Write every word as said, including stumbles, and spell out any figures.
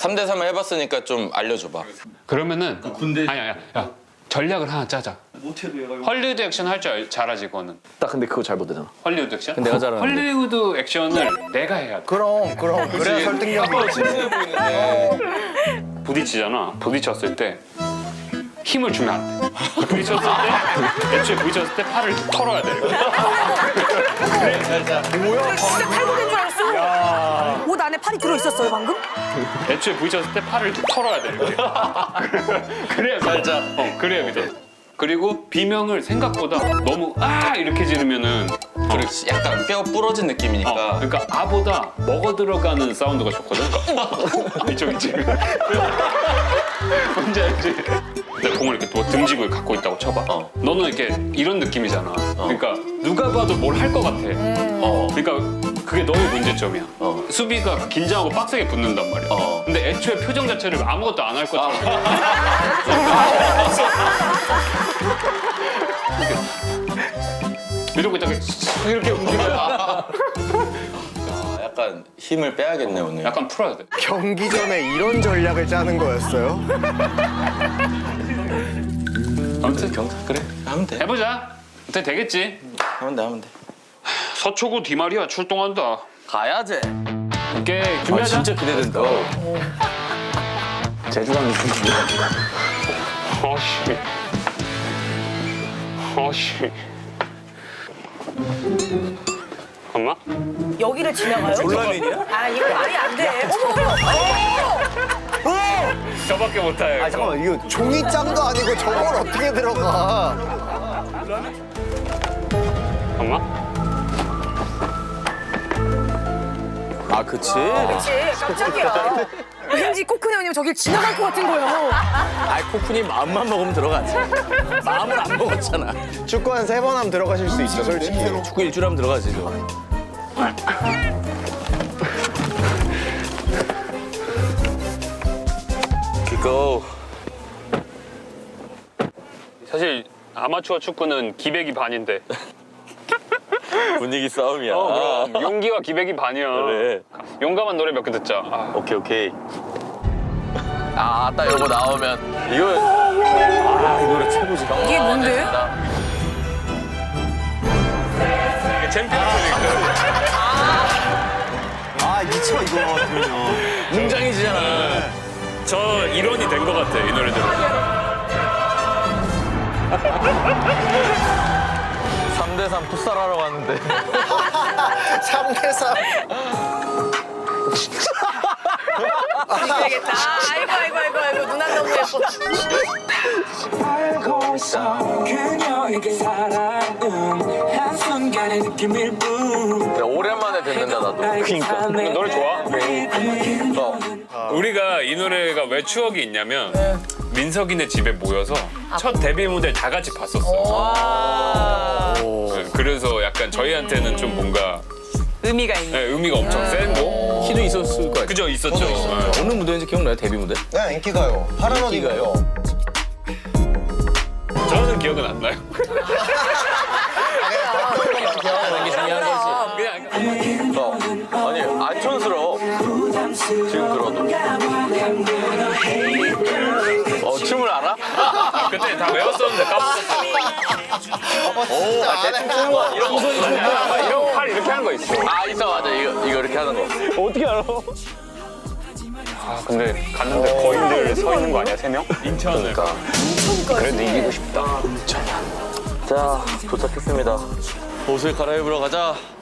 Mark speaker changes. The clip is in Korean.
Speaker 1: 삼 대 삼을 해봤으니까 좀 알려줘봐.
Speaker 2: 그러면은
Speaker 3: 군대
Speaker 2: 아니 아니야. 야 전략을 하나 짜자.
Speaker 3: 못해도 얘가 이거
Speaker 2: 헐리우드 액션 할 줄 잘하지 그거는.
Speaker 4: 나 근데 그거 잘 못하잖아.
Speaker 2: 헐리우드 액션?
Speaker 4: 내가 잘하는데.
Speaker 2: 헐리우드 액션을 내가 해야 돼.
Speaker 5: 그럼 그럼 그래야 설득력이
Speaker 1: 친근해 보이는데.
Speaker 2: 부딪히잖아. 부딪혔을 때 힘을 주면 안 돼. 부딪혔을 때 애초에 부딪혔을 때 팔을 털어야 돼. 이렇게.
Speaker 6: 진짜 탈북인 줄 알았어. 옷 안에 팔이 들어 있었어요 방금?
Speaker 2: 애초에 부딪혔을 때 팔을 털어야 돼. 이렇게. 그래야 살짝. 어, 그래야 믿어. 그리고 비명을 생각보다 너무 아 이렇게 지르면은
Speaker 1: 그리고 약간 뼈 부러진 느낌이니까.
Speaker 2: 어, 그러니까 아보다 먹어 들어가는 사운드가 좋거든. 그러니까 이쪽 이쪽. 뭔지 알지? 내가 공을 이렇게 뭐 등지고 갖고 있다고 쳐봐.
Speaker 1: 어.
Speaker 2: 너는 이렇게 이런 느낌이잖아. 그러니까 누가 봐도 뭘 할 것 같아.
Speaker 1: 어.
Speaker 2: 그러니까 그게 너의 문제점이야.
Speaker 1: 어.
Speaker 2: 수비가 긴장하고 빡세게 붙는단 말이야.
Speaker 1: 어.
Speaker 2: 근데 애초에 표정 자체를 아무것도 안 할 것처럼. 이러고 있다가 이렇게 움직여야
Speaker 1: 아, 약간 힘을 빼야겠네 오늘.
Speaker 2: 약간 풀어야 돼.
Speaker 5: 경기 전에 이런 전략을 짜는 거였어요?
Speaker 1: 아무튼 경사 그래 하면 돼.
Speaker 2: 해보자. 어때 되겠지?
Speaker 1: 하면 돼 하면 돼.
Speaker 2: 서초구 디마리아 출동한다.
Speaker 4: 가야지.
Speaker 2: 오케이
Speaker 4: 아,
Speaker 2: 준비하자.
Speaker 4: 진짜 기대된다. 제주강 느낌이야.
Speaker 2: 어씨. 어씨. 엄마?
Speaker 6: 여기를 지나가요?
Speaker 4: 졸라맨이야?
Speaker 6: 아 이거 말이 안 돼. 어머 어머.
Speaker 2: 저밖에 못해.
Speaker 5: 아 잠깐만 이거 종이장도 아니고 저걸 어떻게 들어가?
Speaker 2: 엄마?
Speaker 4: 아, 그치?
Speaker 6: 그렇지 깜짝이야. 왠지 코크네 형님 저길 지나갈 것 같은 거예요.
Speaker 4: 아이, 코쿤이 마음만 먹으면 들어가지. 마음을 안 먹었잖아.
Speaker 5: 축구 한 세 번 하면 들어가실 수 있어 솔직히.
Speaker 4: 축구 일주일 하면 들어가지, 저. 기고.
Speaker 2: 사실 아마추어 축구는 기백이 반인데.
Speaker 4: 분위기 싸움이야.
Speaker 2: 어, 그럼 용기와 기백이 반이야.
Speaker 4: 그래.
Speaker 2: 용감한 노래 몇 개 듣자. 아,
Speaker 4: 오케이, 오케이. 아, 딱 이거 나오면. 이거. 아, 이 노래 최고지.
Speaker 6: 이게 뭔데?
Speaker 2: 이게 챔피언스리그.
Speaker 5: 아 미쳐 이거 그러면.
Speaker 4: 웅장해지잖아.
Speaker 2: 저 일원이 된 것 같아 이 노래 들으면.
Speaker 4: 삼 대 삼 풋살하러 왔는데.
Speaker 5: 삼 대 삼.
Speaker 6: 되겠다. 아이고 아이고 아이고 아이고 누나 너무 예뻐.
Speaker 7: 알고서 그녀에게 사랑은 한순간의 느낌일 뿐.
Speaker 4: 야, 오랜만에 듣는다, 나도.
Speaker 2: 그러니까. 노래 좋아?
Speaker 4: 어.
Speaker 2: 우리가 이 노래가 왜 추억이 있냐면 민석이네 집에 모여서 첫 데뷔 무대를 다 같이 봤었어. 네, 그래서 약간 저희한테는 좀 뭔가
Speaker 6: 의미가 있네.
Speaker 2: 네, 의미가 엄청 센 거.
Speaker 4: 키도 있었을 거야.
Speaker 2: 그죠 있었죠. 네.
Speaker 4: 어느 무대인지 기억나요? 데뷔 무대?
Speaker 5: 네 인기가요. 파란 옷
Speaker 4: 인기가요?
Speaker 5: 입고.
Speaker 2: 저는 기억은 안 나요.
Speaker 4: 하는 게 중요한 거지.
Speaker 2: 그냥
Speaker 4: 어. 아니, 안 촌스러워. 지금 들어도. 어, 춤을 알아?
Speaker 2: 그때 다 외웠었는데 까먹었어.
Speaker 4: 오, 아, 대충 추는 거 이런 거.
Speaker 2: 이런 팔 이렇게 하는 거 있어.
Speaker 4: 아, 있어, 맞아. 이거, 이거 이렇게 하는 거.
Speaker 2: 어떻게 알아? 아 근데 갔는데 거인들 서 있는 거 아니야 세 명? 인천을.
Speaker 4: 그러니까.
Speaker 2: 그래도 이기고 싶다.
Speaker 4: 자, 도착했습니다. 옷을 갈아입으러 가자.